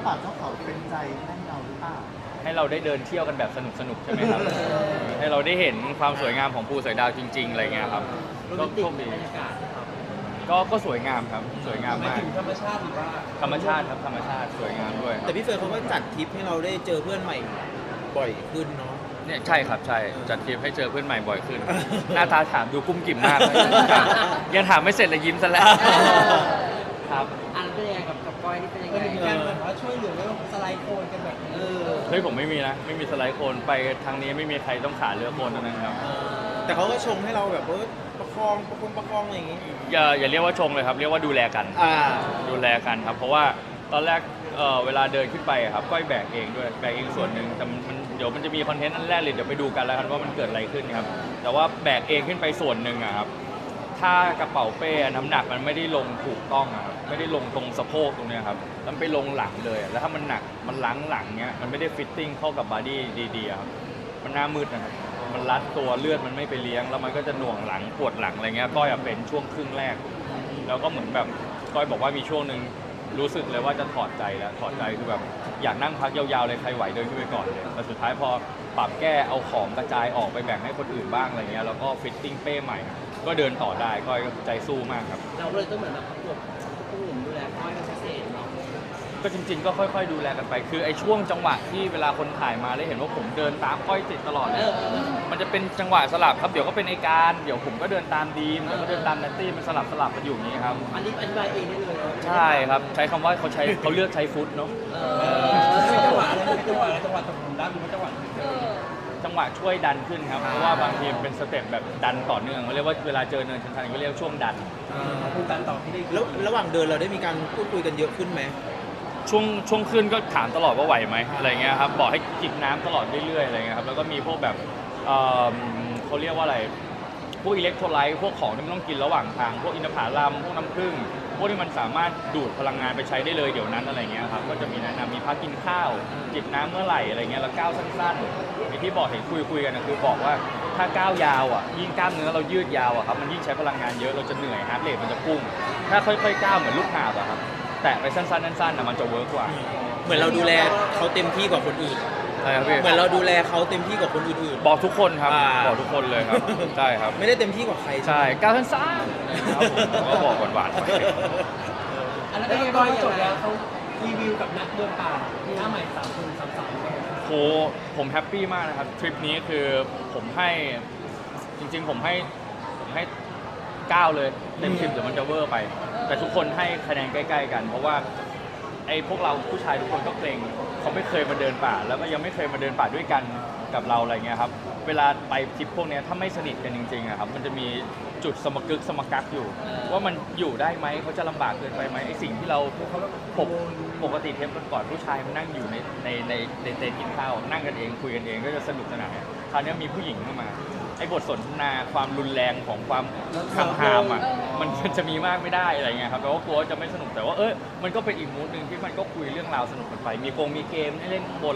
ป่าเจ้าเขาเป็นใจให้เราหรือเปล่าให้เราได้เดินเที่ยวกันแบบสนุกใช่ไหมครับ ให้เราได้เห็นความสวยงามของภูสอยดาวจริงๆอะไรเงี้ยครับก็โชคดีก็สวยงามครับสวยงามมากธรรมชาติหรือว่าธรรมชาติครับธรรมชาติสวยงามด้วยแต่พี่เฟิร์นเขาก็จัดทริปให้เราได้เจอเพื่อนใหม่บ่อยขึ้นเนาะเนี่ยใช่ครับใช่จัดทริปให้เจอเพื่อนใหม่บ่อยขึ้น หน้าตาถามดูกุ้มกิ่มมาก ยังถามไม่เสร็จเลยยิ้มซะแล้วครับอันเป็นยังไงกับก้อยนี่เป็นยังไงมีการแบบว่าช่วยเหลือเรื่องสไลด์โคลนกันแบบเฮ้ยผมไม่มีนะไม่มีสไลด์โคนไปทางนี้ไม่มีใครต้องขาเรือโคนนั้นครับแต่เขาก็ชงให้เราแบบประคองอะไรอย่างงี้อย่าเรียกว่าชงเลยครับเรียกว่าดูแลกันดูแลกันครับเพราะว่าตอนแรกเวลาเดินขึ้นไปครับก้อยแบกเองด้วยแบกเองส่วนหนึ่งแต่มันเดี๋ยวมันจะมีคอนเทนต์อันแรกเลยเดี๋ยวไปดูกันแล้วกันว่ามันเกิดอะไรขึ้นครับแต่ว่าแบกเองขึ้นไปส่วนหนึ่งครับถ้ากระเป๋าเป้น้ำหนักมันไม่ได้ลงถูกต้องครับไม่ได้ลงตรงสะโพกตรงนี้ครับมันไปลงหลังเลยแล้วถ้ามันหนักมันล้างหลังเนี้ยมันไม่ได้ฟิตติ้งเข้ากับบอดี้ดีๆครับมันหน้ามืดนะครับมันรัดตัวเลือดมันไม่ไปเลี้ยงแล้วมันก็จะหน่วงหลังปวดหลังอะไรเงี้ยก้อยเป็นช่วงครึ่งแรกแล้วก็เหมือนแบบก้อยบอกว่ามีช่วงหนึ่งรู้สึกเลยว่าจะถอดใจแล้วถอดใจคือแบบอยากนั่งพักยาวๆเลยใครไหวเดินขึ้นไปก่อนเลยแต่สุดท้ายพอปรับแก้เอาของกระจายออกไปแบ่งให้คนอื่นบ้างอะไรเงี้ยแล้วก็ฟิตติ้งเป้ใหม่ก็เดินต่อได้ก้อยก็ใจสู้มากครับเราเลยต้องเหมือนแบบประกบผู้หญิงดูแลก้อยเป็นพิเศษเนาะก็จริงๆก็ค่อยๆดูแลกันไปคือไอ้ช่วงจังหวะที่เวลาคนถ่ายมาแล้วเห็นว่าผมเดินตามก้อยติดตลอดเลยมันจะเป็นจังหวะสลับครับเดี๋ยวก็เป็นไอการเดี๋ยวผมก็เดินตามดีมเดี๋ยวก็เดินตามนัตตี้มันสลับกันอยู่อย่างนี้ครับอันนี้อธิบายเองได้เลยใช่ครับใช้คำว่าเขาเลือกใช้ฟุตเนาะเป็นจังหวะตกหลุมรักหรือว่าจังหวะช่วยดันขึ้นครับเพราะว่าบางทีเป็นสเต็ปแบบดันต่อเนื่องเขาเรียกว่าเวลาเจอเนินชันๆก็เรียกช่วงดันคุณดันต่อที่ได้แล้วระหว่างเดินเราได้มีการพูดคุยกันเยอะขึ้นไหมช่วงขึ้นก็ถามตลอดว่าไหวไหมอะไรเงี้ยครับบอกให้จิบน้ำตลอดเรื่อยๆอะไรเงี้ยครับแล้วก็มีพวกแบบเขาเรียกว่าอะไรพวกอิเล็กโทรไลต์พวกของที่มันต้องกินระหว่างทางพวกอินทผลัมพวกน้ำผึ้งพวกที่มันสามารถดูดพลังงานไปใช้ได้เลยเดี๋ยวนั้นอะไรเงี้ยครับก็จะมีแนะนำมีพักกินข้าวจิบน้ำเมื่อไหร่อะไรเงี้ยแล้วก้าวสั้นๆไอ้ที่บอกเห็นคุยกันนะคือบอกว่าถ้าก้าวยาวอ่ะยิ่งกล้ามเนื้อเรายืดยาวอ่ะครับมันยิ่งใช้พลังงานเยอะเราจะเหนื่อยฮาร์ทเรทมันจะพุ่งถ้าค่อยๆก้าวเหมือนลูกหาบอะครับแต่ไปสั้นๆนะมันจะเวิร์กกว่าเหมือนเราดูแลเขาเต็มที่กว่าคนอื่นใช่ครับพี่เหมือนเราดูแลเขาเต็มที่กว่าคนอื่นบอกทุกคนครับบอกทุกคนเลยครับใช่ครับไม่ได้เต็มที่กว่าใครใช่ก้าวสั้นๆครับผมก็บอกหวานๆไปอันนั้นก็จบแล้วเขารีวิวกับนักเดินป่าหน้าใหม่3 คน3 โหผมแฮปปี้มากนะครับทริปนี้คือผมให้จริงๆผมให้9เลยเต็ม10เดี๋ยวมันจะเวอร์ไปแต่ทุกคนให้คะแนนใกล้ๆกันเพราะว่าไอ้พวกเราผู้ชายทุกคนก็เกรงเขาไม่เคยมาเดินป่าแล้วก็ยังไม่เคยมาเดินป่าด้วยกันกับเราอะไรเงี้ยครับเวลาไปทริปพวกนี้ถ้าไม่สนิทกันจริงๆอะครับมันจะมีจุดสมกักอยู่ว่ามันอยู่ได้ไหมเขาจะลำบากเกินไปไหมไอ้สิ่งที่เราปกติเทปก่อนผู้ชายมันนั่งอยู่ในเต็นท์กินข้าวนั่งกันเองคุยกันเองก็จะสนุกสนานคราวนี้มีผู้หญิงเข้ามาไอ้บทสนทนาความรุนแรงของความหามอ่ะมันจะมีมากไม่ได้อะไรเงี้ยครับแปลว่ากลัวจะไม่สนุกแต่ว่ามันก็เป็นอีกมูดนึงที่มันก็คุยเรื่องราวสนุกกันไปมีเกมให้เล่นบน